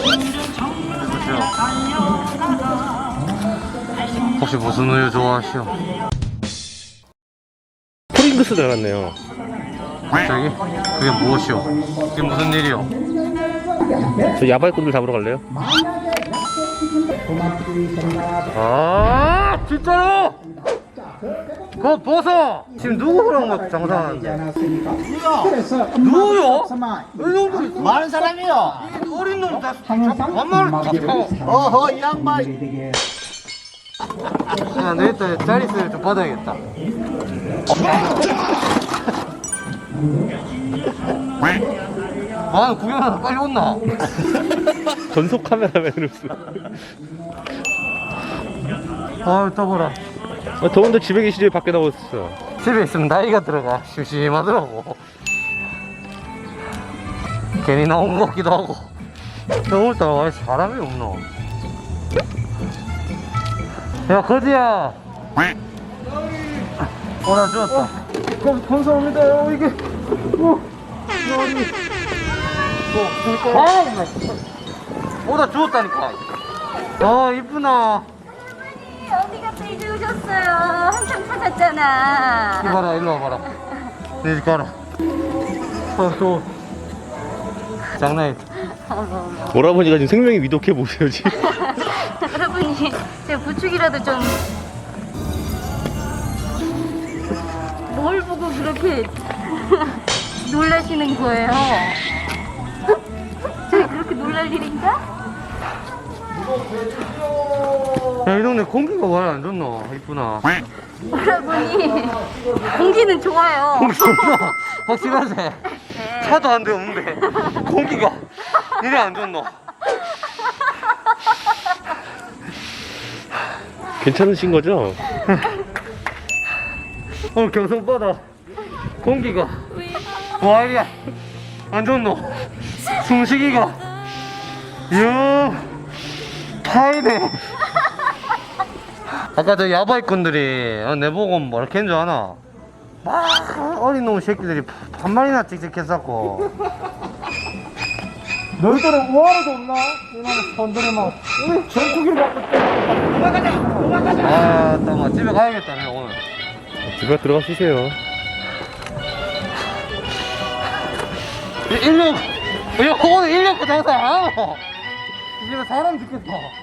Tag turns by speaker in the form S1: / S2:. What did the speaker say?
S1: 혹시 무슨 우유 좋아하시오?
S2: 프링글스 나왔네요.
S1: 갑자기? 그게 무엇이오? 그게 무슨 일이오?
S2: 저 야발꾼들 잡으러 갈래요?
S1: 아 진짜로? 그거 벗어! 지금 누구랑 막 장사하는데? 누구요? 이놈들
S3: 많은 사람이요.
S1: 어린 놈 다 반말을 다 타고.
S3: 어허 이 양반.
S1: 야 내일따 자리세를 좀 받아야겠다. 아 구경하다 빨리 온나?
S2: 전속 카메라맨으로서.
S1: 아 더워라.
S2: 더운데 집에 계시지 밖에 나오셨어.
S1: 집에 있으면 나이가 들어가 심심하더라고. 괜히 나온 것 같기도 하고. 오늘따라 왜 사람이 없노? 야 거지야. 나 죽었다. 감사합니다. 이게 나 죽었다니까. 아 이쁘나.
S4: 어디가 또 이제 오셨어요? 한참 찾았잖아.
S1: 이봐라 일로 와봐라. 내 집 가라. 또 장난이.
S2: 오라버니가 지금 생명이 위독해 보세요 지금.
S4: 여러분이 제 부축이라도 좀. 뭘 보고 그렇게 놀라시는 거예요? 제가 그렇게 놀랄 일인가?
S1: 야, 이 동네 공기가 왜 안 좋노? 이쁘나.
S4: 여러분이 공기는 좋아요.
S1: 공기 좋나? 확실하지? 차도 한 대 없는데 공기가 이래 안 좋노?
S2: 괜찮으신 거죠?
S1: 경성바다 공기가 와 이래 안 좋노? 숨쉬기가 이야 파이네. 아까 저 야바이꾼들이 내보고 뭐라 캔 줄 아나? 막 어린 놈 새끼들이 한 마리나 찍찍했었고.
S3: 너희들은 우아라도 없나? 이놈의 손들이 막 전투기를 갖고 도망가자.
S1: 아, 잠깐만 집에 가야겠다 내가 오늘.
S2: 집에 들어가 쉬세요.
S1: 오늘 1년 그 장사 안 하고 집에 사람 죽겠어.